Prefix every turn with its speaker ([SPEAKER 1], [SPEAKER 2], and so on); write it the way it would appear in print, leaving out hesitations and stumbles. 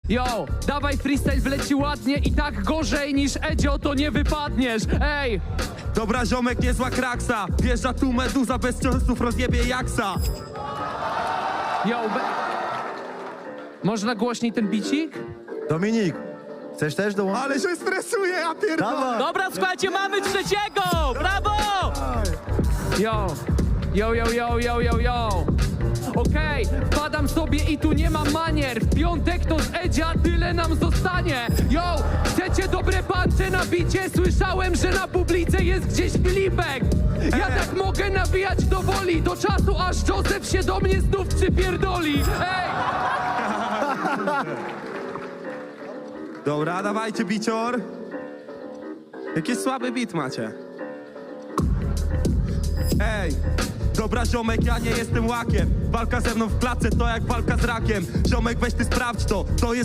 [SPEAKER 1] Yo, dawaj freestyle wleci ładnie i tak gorzej niż Edzio to nie wypadniesz, ej!
[SPEAKER 2] Dobra, ziomek, niezła kraksa. Wjeżdża tu meduza, bez ciosów rozjebie jaksa.
[SPEAKER 1] Yo, można głośniej ten bicik?
[SPEAKER 3] Dominik, chcesz też dołączyć?
[SPEAKER 2] Ale się stresuje, ja pierdolę.
[SPEAKER 3] Dawaj.
[SPEAKER 4] Dobra, słuchajcie, mamy trzeciego! Brawo!
[SPEAKER 1] Yo, yo, yo, yo, yo, yo, yo. Okej, wpadam sobie i tu nie mam manier. W piątek to z Edzia tyle nam zostanie. Yo, chcecie dobre pancze na bicie? Słyszałem, że na publice jest gdzieś Filipek. Ja tak mogę nabijać do woli, do czasu aż Józef się do mnie znów przypierdoli. Ej!
[SPEAKER 2] Dobra, dawajcie, bicior. Jaki słaby beat macie. Ej, dobra, ziomek, ja nie jestem łakiem. Walka ze mną w klatce to jak walka z rakiem. Ziomek, weź ty sprawdź to jest